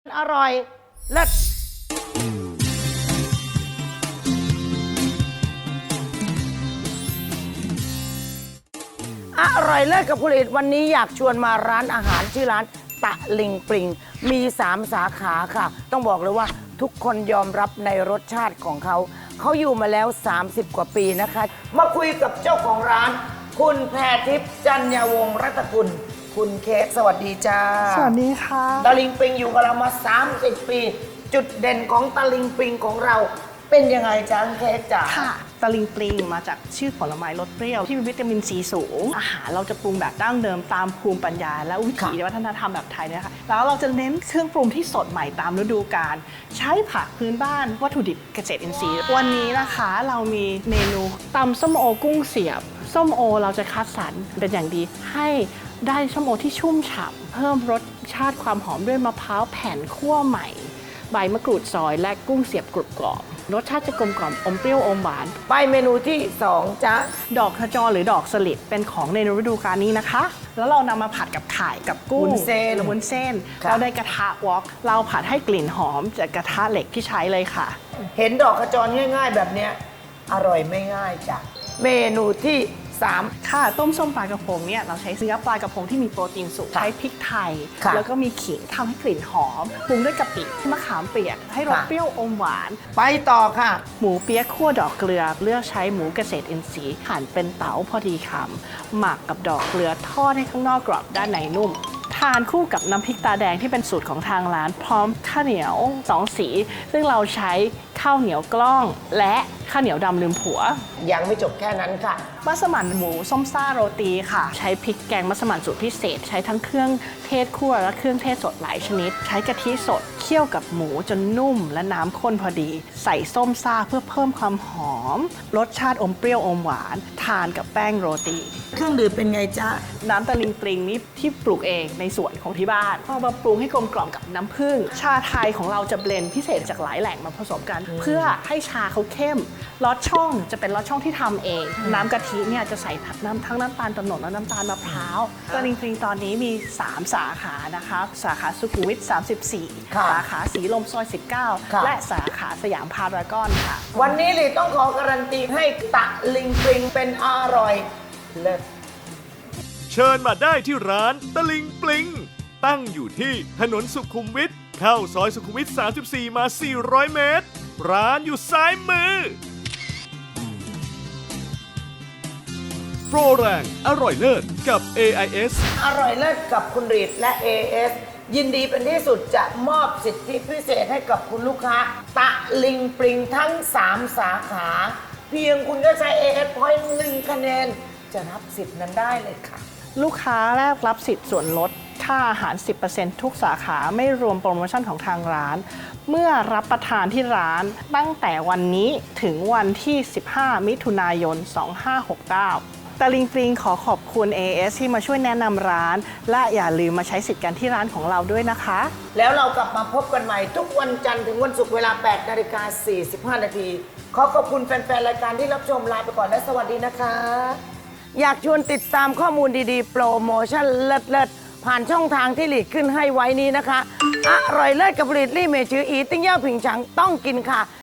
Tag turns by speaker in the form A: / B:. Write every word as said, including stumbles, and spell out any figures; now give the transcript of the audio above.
A: อร่อยเลิศอร่อยเลิศกับผลิตวันนี้อยากชวนมาร้านอาหารชื่อร้านตะลิงปริงมีสามสาขาค่ะต้องบอกเลยว่าทุกคนยอมรับในรสชาติของเขาเขาอยู่มาแล้วสามสิบกว่าปีนะคะมาคุยกับเจ้าของร้านคุณแพรทิพย์จันยวงศ์รัตกุลคุณเค้กสวัสดีจ้า
B: สวัสดีค่ะ
A: ตะลิงปริงอยู่กับเรามาสามสิบปีจุดเด่นของตะลิงปริงของเราเป็นยังไงจ๊ะเค้กจ๋า
B: ค่ะตะลิงปลิงมาจากชื่อผลไม้รสเปรี้ยวที่มีวิตามินซีสูงอาหารเราจะปรุงแบบดั้งเดิมตามภูมิปัญญาและวิถีวัฒนธรรมแบบไทยนะคะแล้วเราจะเน้นเครื่องปรุงที่สดใหม่ตามฤดูกาลใช้ผักพื้นบ้านวัตถุดิบเกษตรอินทรีย์วันนี้นะคะเรามีเมนูตำส้มโอกุ้งเสียบส้มโอเราจะคัดสรรเป็นอย่างดีให้ได้ส้มโอที่ชุ่มฉ่ำเพิ่มรสชาติความหอมด้วยมะพร้าวแผ่นคั่วใหม่ใบมะกรูดซอยและกุ้งเสียบกรุบกรอบรสชาติจะกลมกล่อมอมเปรี้ยวอมหวาน
A: ไปเมนูที่สองจ๊ะ
B: ดอกขจรหรือดอกสลิดเป็นของในฤดูกาลนี้นะคะแล้วเรานำมาผัดกับไข่กับกุ้ง
A: วุ้นเส้น
B: หรือวุ้นเส้นเราได้กระทะวอกเราผัดให้กลิ่นหอมจากกระทะเหล็กที่ใช้เลยค่ะ
A: เห็นดอกขจรง่ายๆแบบเนี้ยอร่อยไม่ง่ายจ้ะเมนูที่สาม
B: ค่ะต้มส้มปลากระพงเนี่ยเราใช้เนื้อปลากระพงที่มีโปรตีนสูงใช้พริกไทยแล้วก็มีขิงทำให้กลิ่นหอมปรุงด้วยกะปิมะขามเปียกให้รสเปรี้ยวอมหวาน
A: ไปต่อค่ะ
B: หมูเปี๊ยะคั่วดอกเกลือเลือกใช้หมูเกษตรอินทรีย์หั่นเป็นเต๋าพอดีคำหมักกับดอกเกลือทอดให้ข้างนอกกรอบด้านในนุ่มทานคู่กับน้ำพริกตาแดงที่เป็นสูตรของทางร้านพร้อมข้าวเหนียวสองสีซึ่งเราใช้ข้าวเหนียวกล้องและข้าวเหนียวดำลืมผัว
A: ยังไม่จบแค่นั้นค่ะ
B: มัสมั่นหมูส้มซ่าโรตีค่ะใช้พริกแกงมัสมั่นสูตรพิเศษใช้ทั้งเครื่องเทศคั่วและเครื่องเทศสดหลายชนิดใช้กะทิสดเคี่ยวกับหมูจนนุ่มและน้ำข้นพอดีใส่ส้มซ่าเพื่อเพิ่มความหอมรสชาติอมเปรี้ยวอมหวานทานกับแป้งโรตี
A: เครื่องดื่มเป็นไงจ๊ะ
B: น้ำตะลิงปริงนี้ที่ปลูกเองในสวนของที่บ้านพอมาปรุงให้กลมกล่อมกับน้ำผึ้งชาไทยของเราจะเบลนด์พิเศษจากหลายแหล่งมาผสมกันเพื่อให้ชาเขาเข้มลอดช่องจะเป็นลอดช่องที่ทำเองน้ำกะทิเนี่ยจะใส่น้ำทั้งน้ำตาลตะโนดและน้ำตาลมะพร้าวตะลิงปริงตอนนี้มีสามสาขานะคะสาขาสุขุมวิทสามสิบสี่สาขาสีลมซอยสิบเก้าและสาขาสยามพารากอนค่ะ
A: วันนี้เลยต้องขอการันตีให้ตะลิงปริงเป็นอร่อยเลิศ
C: เชิญมาได้ที่ร้านตะลิงปลิงตั้งอยู่ที่ถนนสุขุมวิทเข้าซอยสุขุมวิทสามสิบสี่มาสี่ร้อยเมตรร้านอยู่ซ้ายมือโปรแรงอร่อยเลิศกับ เอ ไอ เอส
A: อร่อยเลิศกับคุณรีดและ เอ เอส ยินดีเป็นที่สุดจะมอบสิทธิพิเศษให้กับคุณลูกค้าตะลิงปริงทั้งสามสาขาเพียงคุณก็ใช้ เอ เอส Point หนึ่งคะแนนจะรับสิทธิ์นั้นได้เลยค่ะ
B: ลูกค้าแรกรับสิทธิ์ส่วนลดค่าอาหาร สิบเปอร์เซ็นต์ ทุกสาขาไม่รวมโปรโมชั่นของทางร้านเมื่อรับประทานที่ร้านตั้งแต่วันนี้ถึงวันที่ สิบห้า มิถุนายน สองห้าหกเก้าตะลิงปริงขอขอบคุณ เอ เอส ที่มาช่วยแนะนำร้านและอย่าลืมมาใช้สิทธิ์กันที่ร้านของเราด้วยนะคะ
A: แล้วเรากลับมาพบกันใหม่ทุกวันจันทร์ถึงวันศุกร์เวลา แปดนาฬิกาสี่สิบห้า นาทีขอขอบคุณแฟนๆรายการที่รับชมลาไปก่อนและสวัสดีนะคะอยากชวนติดตามข้อมูลดีๆโปรโมชั่นเลิศๆผ่านช่องทางที่หลีกขึ้นให้ไว้นี้นะคะอร่อยเลิศกับผลิตลี่เมจืออีติ้งเย่าผิงฉังต้องกินค่ะ